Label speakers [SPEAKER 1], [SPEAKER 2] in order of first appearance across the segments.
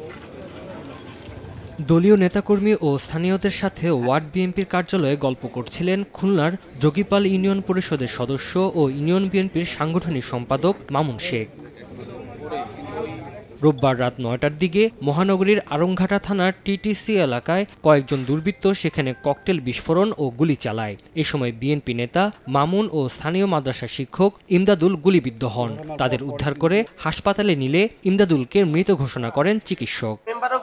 [SPEAKER 1] দলীয় নেতাকর্মী ও স্থানীয়দের সাথে ওয়ার্ড বিএনপির কার্যালয়ে গল্প করছিলেন খুলনার যোগীপাল ইউনিয়ন পরিষদের সদস্য ও ইউনিয়ন বিএনপির সাংগঠনিক সম্পাদক মামুন শেখ। রোববার রাত ৯টার দিকে মহানগরীর আড়ংঘাটা থানার টিটিসি এলাকায় কয়েকজন দুর্বৃত্ত সেখানে ককটেল বিস্ফোরণ ও গুলি চালায়। এ সময় বিএনপি নেতা মামুন ও স্থানীয় মাদ্রাসা শিক্ষক ইমদাদুল গুলিবিদ্ধ হন। তাদের উদ্ধার করে হাসপাতালে নিলে ইমদাদুলকে মৃত ঘোষণা করেন চিকিৎসক।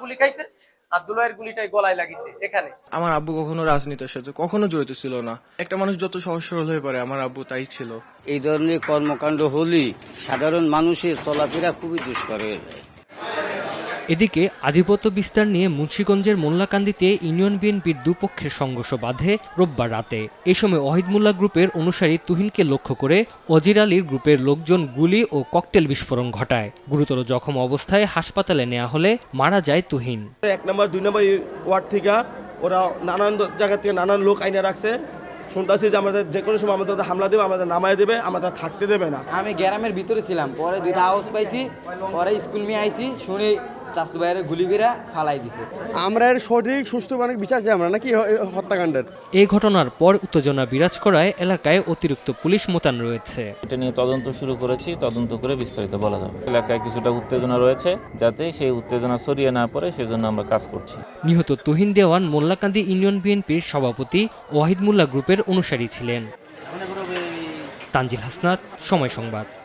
[SPEAKER 2] আমার আব্বু কখনো রাজনীতির সাথে কখনো জড়িত ছিল না। একটা মানুষ যত সহজ সরল হয়ে পারে, আমার আব্বু তাই ছিল।
[SPEAKER 3] এই ধরনের কর্মকাণ্ড হলেই সাধারণ মানুষের চলাফেরা খুবই দুষ্কর হয়ে যায়।
[SPEAKER 1] এদিকে আধিপত্য বিস্তার নিয়ে মুন্সিগঞ্জের মোল্লাকান্দিতে ইউনিয়ন বিএনপির দুপক্ষের সংঘর্ষ বাধে রোববার রাতে। এ সময় ওয়াহিদ মোল্লা গ্রুপের অনুসারী তুহিনকে লক্ষ্য করে অজির আলীর গ্রুপের লোকজন গুলি ও ককটেল বিস্ফোরণ ঘটায়। গুরুতর জখম অবস্থায় হাসপাতালে নেওয়া হলে মারা যায় তুহিন।
[SPEAKER 4] 1 নম্বর 2 নম্বর ওয়ার্ড থেকে ওরা নানান জায়গা থেকে নানান লোক আইনে রাখছে। শুনতেছি যে আমাদের যে কোনো সময় আমাদের হামলা দেবে, আমাদের নামায় দেবে, আমাদের থাকতে দেবে না।
[SPEAKER 5] আমি গ্রামের ভিতরে ছিলাম, পরে 2টা আওয়াজ পাইছি, পরে স্কুল নিয়ে আইছি, শুনে চাষু ভাইয়ের গুলি করে ফালাই দিছে।
[SPEAKER 4] আমরা এর সঠিক সুষ্ঠু মানে বিচার চাই আমরা নাকি হত্যাকাণ্ডের।
[SPEAKER 1] এই ঘটনার পর উত্তেজনা বিরাজ করায় এলাকায় অতিরিক্ত পুলিশ মোতায়েন রয়েছে।
[SPEAKER 6] এটা নিয়ে তদন্ত শুরু করেছি, তদন্ত করে বিস্তারিত বলা যাবে। এলাকায় কিছুটা উত্তেজনা রয়েছে, যাতে সেই উত্তেজনা ছড়িয়ে না পড়ে সেজন্য আমরা কাজ করছি।
[SPEAKER 1] নিহত তুহিন দেওয়ান মোল্লাকান্দি ইউনিয়ন বিএনপির সভাপতি ওয়াহিদ মোল্লা গ্রুপের অনুসারী ছিলেন। তানজিল হাসনাত, সময় সংবাদ।